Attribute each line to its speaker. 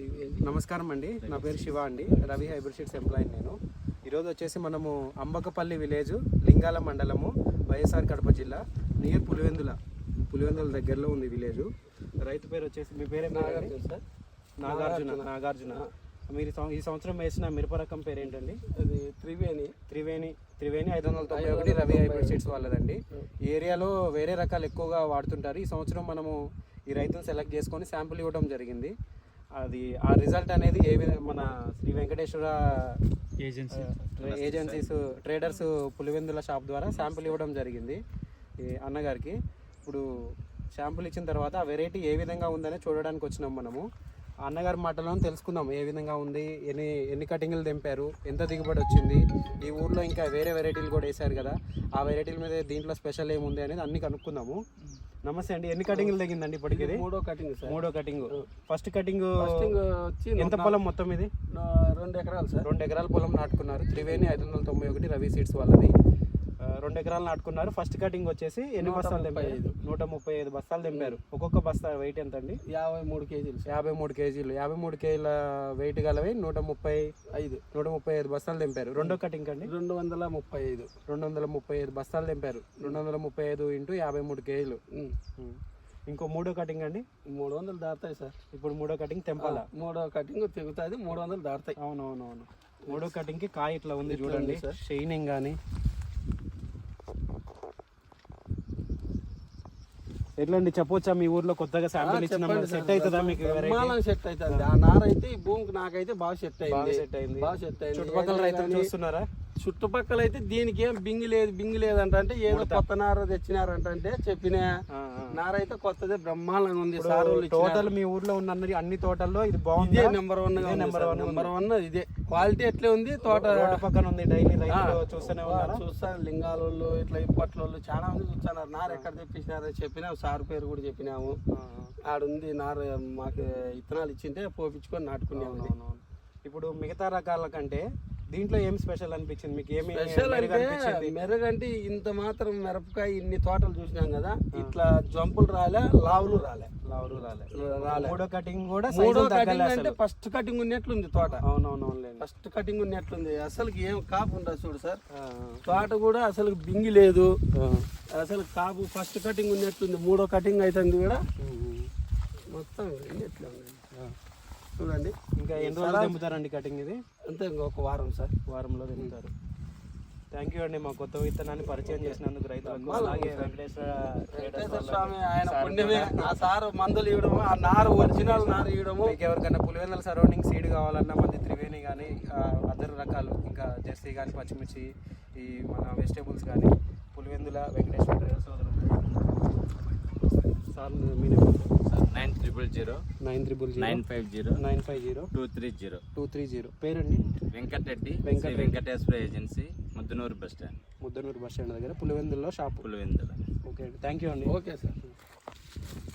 Speaker 1: నమస్కారం అండి, నా పేరు శివ అండి, రవి హైబ్రిడ్ సీడ్స్ ఎంప్లాయీ. నేను ఈరోజు వచ్చేసి మనము అంబకపల్లి విలేజ్, లింగాల మండలము, వైఎస్ఆర్ కడప జిల్లా, నియర్ పులివెందుల దగ్గరలో ఉంది విలేజ్. రైతు పేరు వచ్చేసి, మీ పేరే నాగార్జున. మీరు ఈ సంవత్సరం వేసిన మిరప రకం పేరు ఏంటండి?
Speaker 2: అది త్రివేణి
Speaker 1: 591 రవి హైబ్రిడ్ సీడ్స్ వాళ్ళదండి. ఈ ఏరియాలో వేరే రకాలు ఎక్కువగా వాడుతుంటారు. ఈ సంవత్సరం మనము ఈ రైతును సెలెక్ట్ చేసుకొని శాంపుల్ ఇవ్వడం జరిగింది. అది ఆ రిజల్ట్ అనేది ఏ విధంగా మన Shri Venkateshwara agencies traders Pulivendula shop ద్వారా శాంపుల్ ఇవ్వడం జరిగింది ఈ అన్నగారికి. ఇప్పుడు శాంపుల్ ఇచ్చిన తర్వాత ఆ వెరైటీ ఏ విధంగా ఉందని చూడడానికి వచ్చినాం మనము. ఆ అన్నగారి మాటలో తెలుసుకుందాం ఏ విధంగా ఉంది, ఎన్ని కటింగ్లు తెంపారు, ఎంత దిగుబడి వచ్చింది, ఈ ఊర్లో ఇంకా వేరే వెరైటీలు కూడా వేశారు కదా, ఆ వెరైటీల మీద దీంట్లో స్పెషల్ ఏముంది అనేది అన్ని కనుక్కుందాము. నమస్తే అండి, ఎన్ని కటింగ్లు తెగిందండి ఇప్పటికి? మూడో కటింగ్. ఫస్ట్ కటింగ్ వచ్చి ఎంత పొలం మొత్తం ఇది?
Speaker 2: 2 ఎకరాలు సార్.
Speaker 1: 2 ఎకరాల పొలం నాటుకున్నారు. త్రివేణి 591 రవి సీడ్స్ వాళ్ళది. 2 ఎకరాలు నాటుకున్నారు. ఫస్ట్ కటింగ్ వచ్చేసి ఎన్ని బస్తాలు తెంపారు? 135 బస్తాలు తెంపారు. ఒక్కొక్క బస్తా వెయిట్ ఎంత అండి?
Speaker 2: 53 కేజీలు.
Speaker 1: 53 కేజీలు. 53 కేజీల వెయిట్ గలవి 135 బస్తాలు తెంపారు. రెండో కటింగ్ అండి 235 బస్తాలు తెంపారు. 235 × 53 కేజీలు. ఇంకో మూడో కటింగ్ అండి
Speaker 2: 300 దాటుతాయి సార్.
Speaker 1: ఇప్పుడు మూడో కటింగ్ తెంపాలా?
Speaker 2: మూడో కటింగ్ తెగుతుంది, 300 దాటుతాయి.
Speaker 1: అవునవునవును. మూడో కటింగ్కి కాయ ఇట్లా ఉంది చూడండి, షైనింగ్ కానీ. ఎట్లా అండి చెప్పొచ్చా? మీ ఊర్లో కొత్తగా శాంపిల్ ఇచ్చిన సెట్ అవుతుందా మీకు?
Speaker 2: సెట్ అవుతుంది. ఆ నార అయితే ఈ భూమికి నాకైతే బాగా సెట్ అయింది.
Speaker 1: చుట్టుపక్కల రైతులు చూస్తున్నారా?
Speaker 2: చుట్టుపక్కల అయితే దీనికి ఏం బింగి లేదు అంటే ఏదో కొత్త నార తెచ్చినారంటే చెప్పిన నార అయితే కొత్తదే బ్రహ్మాండంగా ఉంది.
Speaker 1: టోటల్ మీ ఊర్లో ఉన్న అన్ని తోటల్లో ఇది బాగుంది.
Speaker 2: నెంబర్ వన్ ఇదే క్వాలిటీ ఎట్లే ఉంది. తోట
Speaker 1: పక్కన ఉంది. డైలీ చూస్తూనే
Speaker 2: చూస్తాను. లింగాలు ఇట్లా ఇప్పట్లో చాలా మంది చూస్తున్నారు. నార ఎక్కడ తెప్పించినారో చెప్పినా, సార్ పేరు కూడా చెప్పినాము. ఆడుంది నార, మాకు ఇత్తనాలు ఇచ్చింటే పోపించుకొని నాటుకున్నాము.
Speaker 1: ఇప్పుడు మిగతా రకాల కంటే దీంట్లో ఏం స్పెషల్ అనిపించింది మీకు? ఏమి
Speaker 2: స్పెషల్ అంటే మెరుగంటే ఇంత మాత్రం మిరపకాయ ఇన్ని తోటలు చూసినాం కదా, ఇట్లా జంపులు లావులు రాలే.
Speaker 1: మూడో కటింగ్ కూడా
Speaker 2: అంటే ఫస్ట్ కటింగ్ ఉన్నట్లుంది తోట.
Speaker 1: అవునవును,
Speaker 2: ఫస్ట్ కటింగ్ ఉన్నట్లుంది. అసలు ఏం కాపు ఉండదు చూడు సార్. తోట కూడా అసలు బింగి లేదు. అసలు కాపు ఫస్ట్ కటింగ్ ఉన్నట్లుంది. మూడో కటింగ్ అవుతుంది కూడా మొత్తం ఎట్లా ఉంది చూడండి.
Speaker 1: ఇంకా ఎన్ని రోజులు తెంపుతారండి కటింగ్ ఇది?
Speaker 2: అంతే, ఇంకొక వారం సార్.
Speaker 1: వారంలో తెంపుతారు. థ్యాంక్ యూ అండి, మా కొత్త విత్తనాన్ని పరిచయం చేసినందుకు రైతులకు. అలాగే వెంకటేశ్వర
Speaker 2: స్వామి ఆయన పుణ్యమే. ఆ సార్ మందులు ఇవ్వడము, ఆ నారు ఒరిజినల్ నారు ఇవ్వడము.
Speaker 1: మీకు ఎవరికైనా పులివెందుల సరౌండింగ్ సీడ్ కావాలన్నా మంది త్రివేణి కానీ అదర్ రకాలు, ఇంకా జెర్సీ కానీ, పచ్చిమిర్చి, ఈ మన వెజిటేబుల్స్ కానీ పులివెందుల వెంకటేశ్వర సోదరులు సార్. మీ 950 పేరండి?
Speaker 3: Venkateshwara agency, Muddanur bus stand
Speaker 1: దగ్గర పులివెందుల్లో షాప్.
Speaker 3: పులివెందుల.
Speaker 1: ఓకే అండి, థ్యాంక్ యూ అండి.
Speaker 2: Okay sir.